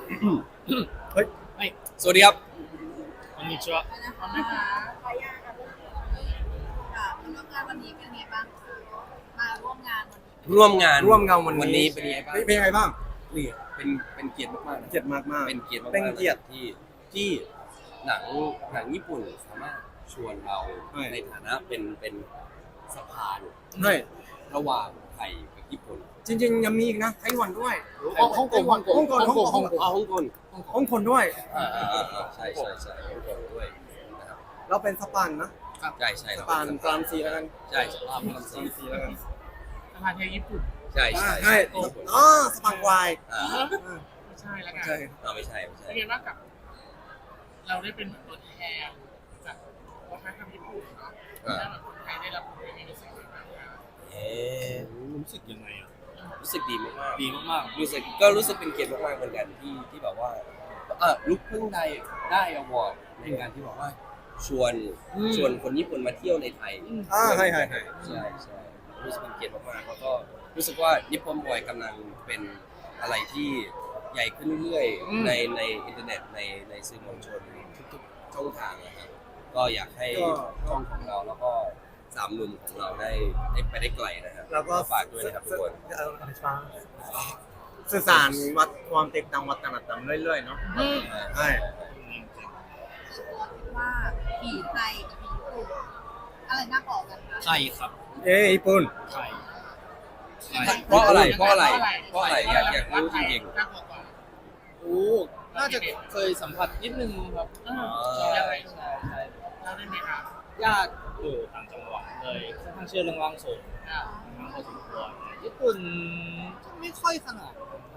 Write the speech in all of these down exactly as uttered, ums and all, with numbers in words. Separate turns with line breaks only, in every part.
เฮ้ย
はい、
สวัสดีครับ
こんにちは。
นะคะขออนุญาตค่ะค่ะมาร่วมงานวันนี้เป็นไงบ้างคะมาร่วมงานวันนี้
ร่วมงาน
ร่วมงานวัน
วัน
นี้
นี้เป็นยังไงบ้าง
เป็นยังไงบ้างนี่
เป็นเป็นเกียรติมากๆนะ
เกียรติมากมาก
เป็นเกียรติมากๆ
เป็นเกียรติ
ที่ที่หนังหนังญี่ปุ่นสามารถชวนเรา
ใช่
ในฐานะเป็นเป็นสะพาน
ใช่
ระหว่างไทยกับญี่ปุ่น
จริงๆยังมีอีกนะไต้หวันด้วย
香港、香港、
香港
香港、香港、香
อ๋อ
港。
ฮ่องกง
ฮ่องกงด้วย
อ่าอ่าอ่าใช่ใช่ใช่ฮ่องกงด้วยนะครับ
เราเป็นสปานนะ
ใช่ใช่
สปานกรามซีแล้วกัน
ใช่สภาพพลัง
กรา
สี
มซีแล้วกัน
สภาเทศญี่ปุ่น
ใช่ใช่
ใช่อ๋อสปานวาย
อ่า
ไม่ใช่แล้วกัน
ใช่
อ่าไม่ใช่ไม่ใช่
เป็นไงบ้างกับ เราได้เป็นเหมือนตัวแทนจากวัฒนธรรมญี่ปุ่นเนาะถ้าแบบคนไทยได้รับรู้ในรู้สึกยังไงบ้างคะ
เอ๊ะ
รู้สึกยังไงอ่ะ
รู้สึกดีมากๆ
ดีมาก
รู้สึกก็รู้สึกเป็นเกียรติมากๆเหมือนกันที่ที่แบบว่าเออลุกเพิ่งได้ได้อวอร์ดในการที่บอกว่าชวนชวนคนญี่ปุ่นมาเที่ยวในไทย
อ่าใช่ใช่ใช่
ใช่ใช่รู้สึกเป็นเกียรติมากๆแล้วก็รู้สึกว่านิปปอนบอยกำลังเป็นอะไรที่ใหญ่ขึ้นเรื่อยๆในในอินเทอร์เน็ตในในสื่อมวลชนทุกๆช่องทางนะครับก็อยากให้ช่องของเราแล้วก็สามหนุ่มของเราได้ได้ไปได้ไกลนะครับ
แล้วก็
ฝากด้วยนะครับทุกคน
เอ่อสื่อสารวัดความแตกต่างวัฒนธรรมเรื่อยๆเนาะใช่
คือตัวคิดว่าผีไทยกับผีญี่ปุ่นอะไรน่ากลัวกันคะ
ๆไทยครับ
เอ้ยญี่ปุ่น
ไทย
เพราะอะไรเพราะอะไรเพราะอะไรอยากอยากรู้จริง
น่ากลัวกว่า
โอ้น่าจะเคยสัมผัสนิดนึงครับ
เออ
ใช่
ใช่
ใช่ใช่
เราได้ไหมครับ
ญาติอยู่ต่างจังหวัดเลยค่อนข้างเชื่อเรื่องร่างทรง
อ่า
ทั้งพอสมควรญี่ปุ่นไม่ค่อยขนาด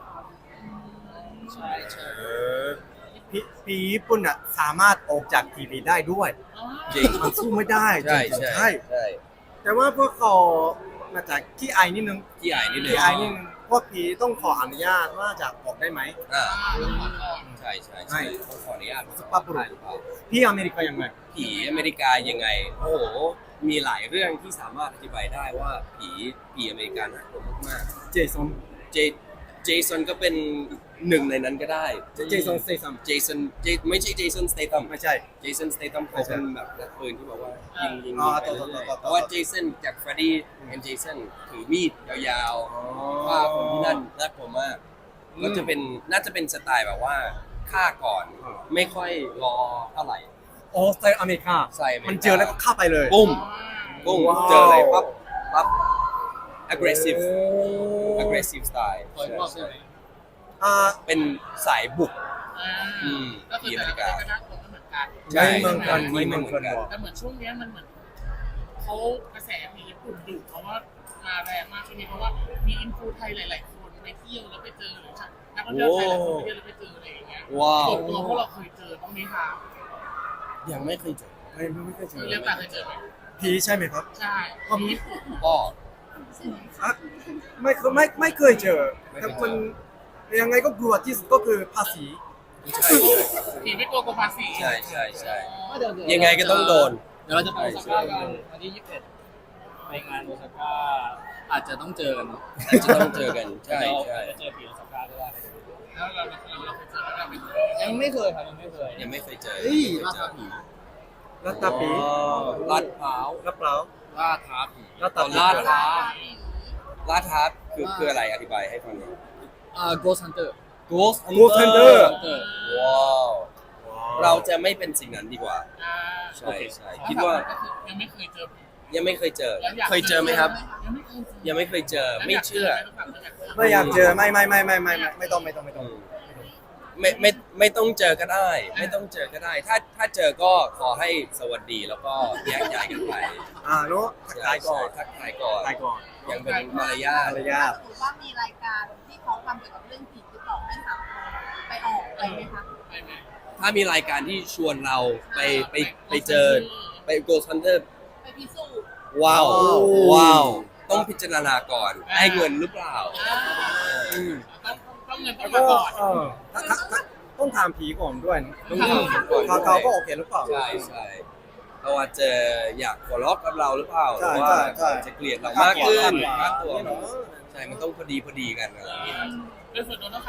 ใช่ใช่
เออผีผีญี่ปุ่นอ่ะสามารถออกจากทีวีได้ด้วย
อ๋อ
ๆจริง
มันสู้ไม่ได้
ใช่
จริงๆ
ใช่ใช่
แต่ว่าพวกเขามาจากขี้อายนิดนึง
ที่อายนิดนึง
ขี้อายนิดนึงพวกผีต้องขออนุญาตว่าจะออกได้ไหม
อ่า
ต้องขอโทษ
ใช่ใช่ใช่ต้องขออนุญาต
สุภาพบุรุษ
หรือเปล่า
พี่อเมริกายังไง
ผีอเมริกายังไง โอ้โห มีหลายเรื่องที่สามารถอธิบายได้ว่าผีผีอเมริกาน่ากลัวมาก
เจสัน
ๆเจเจสันก็เป็นหนึ่งในนั้นก็ได้
เจสันสเตซัม
เจสันเจไม่ใช่เจสันสเตตัม
ไม่ใช่
เจสันสเตตัมเขาเป็นแบบนักปืนที่บอกว่ายิงยิง
อ๋อ
ยิงไป
ต่อ
เรื่อย
ต่อต่อ
ๆเพราะว่าเจสันจากเฟรดดี้แอนเจสันถือมีดยาวๆฆ่าคนที่นั่นน่ากลัวมาก ก็จะเป็นน่าจะเป็นสไตล์แบบว่าฆ่าก่อนไม่ค่อยรอเท่าไหร่
โอ้สไตล์อเมริกา
ใส่อเมริกามั
มันเจอแล้วก็เข้าไปเลย
ปุ้มปุ้ม
ว้าว
เจออะไรปั๊บปั๊บ aggressive aggressive style
คอยบอกใช่ไหม
อ่า
เป็นสายบุก
อ่า
อืม
ก็คือแต่ละประเทศก็น่ากลัวไม่เหมือนกัน
ใช่
ไม่เหมือนกัน
ไม่
ไม่
เห
เห
มื
มื
อ
อน น
กั
กัน น
แต่เหมือนช่วงเนี้ยมันเหมือนเขากระแสผีญี่ปุ่นดุเพราะว่ามาแรงมากช่วงนี้เพราะว่ามีอินฟูไทยหลาย ๆ คนไปเที่ยวแล้วไปเจอหรือนักท่องเที่ยวไทยหลายคนไปเที่ยวแล้วไปเจออะไรอย่างเงี้ย
ว้าว
ส่วนตัวพวกเราเคยเจอบ้างไหมคะ
ยังไม่เคยเจอ
ไม่ไม่เคยเจอ
เรื่องต่างเคยเจอไหม
ผีใช่ไหมครับ
ใช่ผีญี่ปุ่น
ก็
อ่ะไม่เคยไม่ไม่เคยเจอ
ไม่
แต่
เคยเจอ
คนยังไงก็กลัวที่สุดก็คือภาษี
ใช่
ผีไม่กลัวกลัวภาษี
ใช่ใช่ใช่
เดี๋วเดี๋ว
ยังไงก็ต้องโดน
เดี๋ยวเราจะไปโอซาก้ากันวันที่ยี่สิบเอ็ดไปงานโอซาก้าอาจจะต้องเจอกันเนาะ
อาจจะต้องเจอกันใช่ใช่
เดี๋ยวอาจจะเจอผีโอซาก้าก็ได้
แล้วเราเราเราเคยเจอแล้วเราไม่เคย
ยังไม่เคยครับยังไม่เคย
ยังไม่เคยเจอ
เฮ้ย
ไม่
รา
เค
คาย
เจ
ผี
อ
รัตตาปี
อ๋อลาดพร้าว
รับเปล่า
ล่าท้าผี
รัตตาปี
ลาดพร้าว ลาดพร้าวคือคืออะไรอธิบายให้ฟังหน่อย
อ่า Ghost Hunter
Ghost
กูเทนเดอร์
Hunter
ว้าวเราจะไม่เป็นสิ่งนั้นดีกว่า
อ่า
ใช่ใช่คิดว่า
ก็คือยังไม่เคยเจอผี
ยังไม่เคยเจอ
แล้วอยาก
เคยเจอไหมครับ
ยังไม่เคยเจอ
ยังไม่เคยเจอไม่เชื่อ
ไม่อยากเจอไม่ไม่ไม่ไม่ไม่ไม่ไม่ต้องไม่ต้องไม่ต้อง
ไม่ไม่ไม่ต้องเจอก็ได้ ไม่ต้องเจอก็ได้ ถ้าถ้าเจอก็ขอให้สวัสดีแล้วก็แยกย้ายกันไป
อ่าเนาะทักทายก่อน
ทักทายก่อน
ทายก่อน
ยังเป็นมารยาท
มารยาท
สมมติว่ามีรายการที่เขาทำเกี่ยวกับเรื่องผีติดต่อให้ถามไปออกอะไรไหมคะ
ไปไหม
ถ้ามีรายการที่ชวนเราไปไปไปเจอไป Ghost Hunter
ไปพิสูจน์
ว้าว
ว้าว
ว้าว ต้องพิจารณาก่อนให้เงินหรือเปล่า
อ่า
อืม
ต้องต้องเงินต้อ
แล้
ง
ว
มา
ก็
ก่อน
เออถ้าถ้าถ้าต้องถามผีก่อนด้วยนะ
ต้องถามผีก่อน
เขาเขาก็โอเคหรือเปล่า
ใช่ใช่เขาอาจจะอยากหัวเราะกับเราหรือเปล่าห
ใช่
รือว่า
ใช่ใช่
จะเกลียดเรามากขึ้น
ค่า
ค่า
ตั
ตัว ว
เนาะ
ใช่มันต้องพอดีพอดีกันอะไรอย่างเงี้ย
โดยส่วนตัวต้องถามความคิด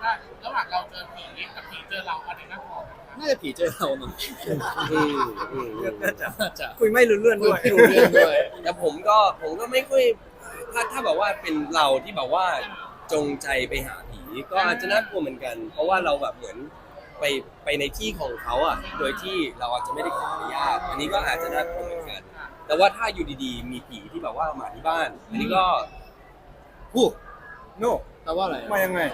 ว่าระหว่างเราเจอผีกับผีเจอเราอะไรน่ากลัวกันครับ
น่าจะผีเจอเราเนาะ
อืมอืม
น่าจะ
น่าจะ
คุยไม่รู้เรื่องด้วย
ไม่รู้เรื่องด้วย
แต่ผมก็ผมก็ไม่ค่อยถ้าถ้าแบบว่าเป็นเราที่แบบว่าจงใจไปหาผีก็อาจจะน่ากลัวเหมือนกัน เพราะว่าเราแบบเหมือนไปไปในที่ของเขาอ่ะโดยที่เราอาจจะไม่ได้ขออนุญาตอันนี้ก็อาจจะน่ากลัวเหมือนกัน แต่ว่าถ้าอยู่ดีๆ มีผีที่แบบว่ามาที่บ้าน อันนี้ก็ฮู้
โน่
แปลว่าอะไร
มายังไง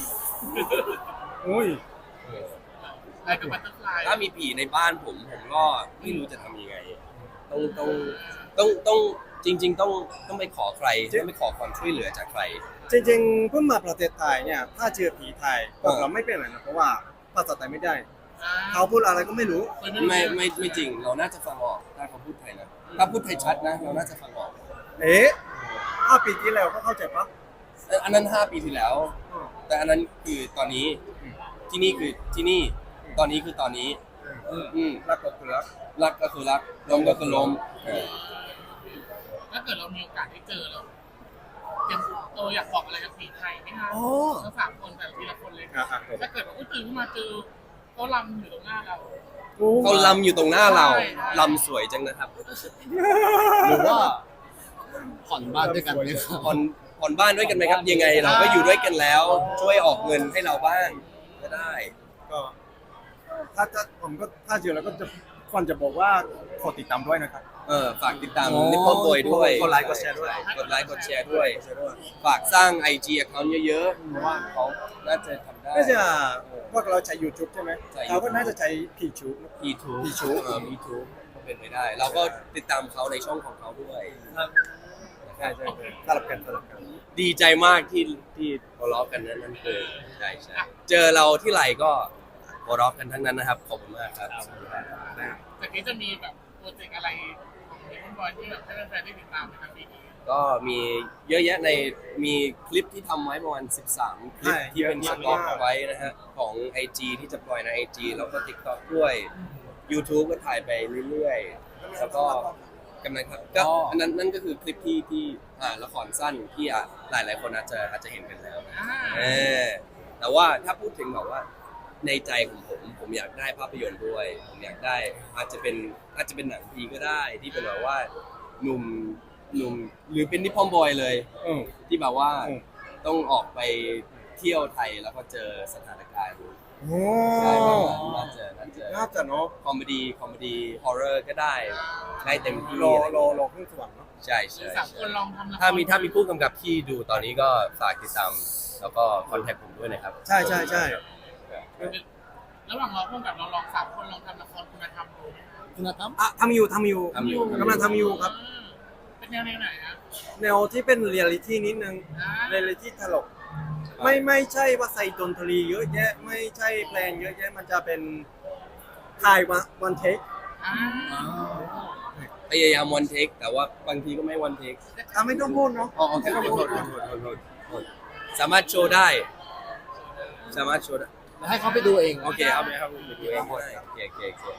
อุ้ย
อะไรกับบัตเตอร์ฟลาย
ถ้ามีผีในบ้านผมผมก็ไม่รู้จะทำยังไง ต้องต้องต้องต้องจริง ๆ ต้องต้องไปขอใครต้องไปขอความช่วยเหลือจากใคร
จริงๆเพิ่งมาประเทศไทยเนี่ยถ้าเจอผีไทยพวกเราไม่เป็นไรนะเพราะว่าภาษาไทยไม่ได้ เขาพูดอะไรก็ไม่รู้
ไม่ไม่ไม่จริง เราน่าจะฟังออกถ้าเขาพูดไทยนะถ้าพูดไทยชัดนะ เราน่าจะฟังออก
เอ๊ะห้าปีที่แล้วก็เข้าใจปะ
เอ่ออันนั้นห้าปีที่แล้ว แต่อันนั้นคือตอนนี้ที่นี่คือที่นี่ ตอนนี้คือตอนนี้อืม
รักก็คือรัก
รักก็คือรักล้มก็คือล้มเออ
ถ้าเกิดเรามีโอกาสได้เจอเราเตรียมตัวอยากบอกอะไรกับผีไทยไหมคะ
อ๋อ
ทั้งสามคนแต่ทีละคนเลย
อ่ะอ่ะ
ถ้าเกิดว่าอุ๊ยตื่นขึ้นมาเจอเขาลำอยู่ตรงหน้าเรา
เขาลำอยู่ตรงหน้าเรา
ใช่
ลำสวยจังนะครับ
หรือว่าผ่อนบ้านด้วยกันไหมครับ
ผ่อนผ่อนบ้านด้วยกันไหมครับ ยังไงเราก็อยู่ด้วยกันแล้ว ช่วยออกเงินให้เราบ้างก็ได้
ก็ถ้าจะผมก็ถ้าเจอแล้วก็จะควรจะบอกว่าขอติดตามด้วยนะครับ
เออฝากติดตาม
อ๋อ
นิปปอนบอยด้วย
กดไลค์กดแชร์ด้วย
ใกดไลค์กดแชร์ด้วย ฝากสร้าง ไอ จี account เยอะๆเพราะว่าเขาน่าจะทำได้
ก็จะพวกเราใช้ YouTube ใช่ไหม
ใช่
เขาก็น่าจะใช้พีชู
พีทู
พีทู
เออพีทูก็เป็นไปได้ เราก็ติดตามเขาในช่องของเขาด้วย
ใช่ใช่ใช่สลับกันสลับกัน
ดีใจมากที่ที่หัวเราะกันนั้นนั่นคือใช่ใช่เจอเราที่ไหลก็หัวเราะกันทั้งนั้นนะครับ ขอบคุณมากครับ
จากนี้จะมีแบบโปรเจกต์อะไรของเด็กบอยที่แบบให้แฟนๆได้ติดตามในทางปีนี้
ก็มีเยอะแยะในมีคลิปที่ทำไว้ประมาณสิบสามคลิป
ใช่
ที่เป็น
เย
ส
อะ
ต็อก
มาก
ไว้นะฮะของ ไอ จี ที่จะปล่อยใน ไอ จี แล้วก็ TikTok ด้วย YouTube ก็ถ่ายไปเรื่อยๆ แล้วก็กำลังทำก็อันนั้นนั่นก็คือคลิปที่ที่อ่าละครสั้นที่อ่ะหลายหลายๆคนอาจจะอาจจะเห็นกันแล้วนะ
อ่า
เออแต่ว่าถ้าพูดถึงแบบว่าในใจของผมผมอยากได้ภาพยนตร์ด้วย ผมอยากได้อาจจะเป็นอาจจะเป็นหนังพีก็ได้ที่เป็นแบบว่าหนุ่มหนุ่มหรือเป็นนิปปอนบอยเลย
อืม
ที่แบบว่า
อืม
ต้องออกไปเที่ยวไทยแล้วก็เจอสถานการณ์
โอ้
ใช่ประมาณน่าจะน่าจะ
น่าจะเนาะ
คอมเมดี้คอมเมดี้ฮอร์เรอร์ก็ได้ได้เต็มที่
รอ
อะไร
รอรอขึ้นสวรรค์เนาะ
ใช่
คื
ใช่
อสามคนลองทำละคร
ถ้ามีถ้ามีผู้กำกับที่ดูตอนนี้ก็ฝากติดตามแล้วก็คอนแทคผมด้วยนะครับ
ใช่ใช่ใช่
ระหว่างเราร่วมกับเราลองสามคนลองทำละครคุณธรรมดูไหมคะ
คุณธรรม
อ่ะทำอยู่ทำอยู่
ทำอยู่
กำลังทำอยู่ครับ
อ่าเป็นแนวไหนฮะ
แนวที่เป็นเรียลิตี้นิดนึง
อ่า
เรียลิตี้ตลก ไม่ไม่ใช่ว่าใส่ดนตรีเยอะแยะ ไม่ใช่เพลงเยอะแยะ มันจะเป็นถ่ายวันวันเทค
อ่า
พยายามวันเทคแต่ว่าบางทีก็ไม่วันเทค
อ่ะไม่ต้องพูดเนาะ
อ๋อโอเคโทษโทษโทษโทษโทษโทษสามารถโชว์ได้ สามารถโชว์ได้
ให้เขาไปดูเอง
โอเคเอาไปครับผมไปดูเองได้โอเคโอเคโอเค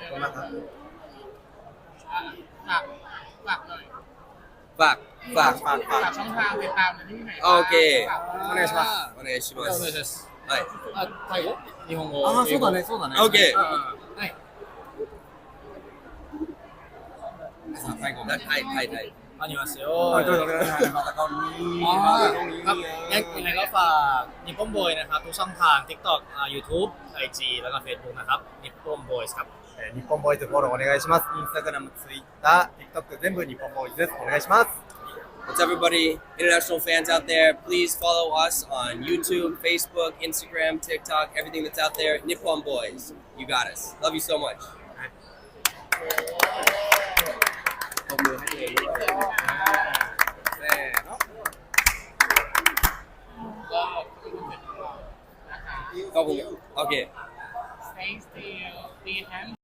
อ่ะฝากฝากหน่อย
ฝากฝาก
ฝากฝาก
ฝากช่องทางติดตามในที่ไหน
โอเค
ฝาก
お願いします
お願いしま
お願い
す
します
はい
あタイ語日本語
ああ、
英語
そうだね、そうだね。
オッケー
うんうん
はい
ไทยไทยไทยไทย
ありますよ
あどうぞお願いしますまた顔に
อ๋อ
また顔に
ครับยังยังไงก็ฝากนิปปอนบอยนะครับทุกช่องทาง TikTok อ่า YouTube ไอ จี แล้วก็ Facebook นะครับนิปปอนบอยครับ
えー日本ボーイズフォローお願いします。インスタグラム、ツイッター、TikTok 全部日本ボーイズです。お願いします。
What's up, everybody? International fans out there, please follow us on YouTube, Facebook, Instagram, TikTok, everything that's out there. Nippon Boys, you got us. Love you so much. ตบมือให้เลยด้วย
せーの。
ก็นะคะ
ขอบคุณโอเค
stay still be hands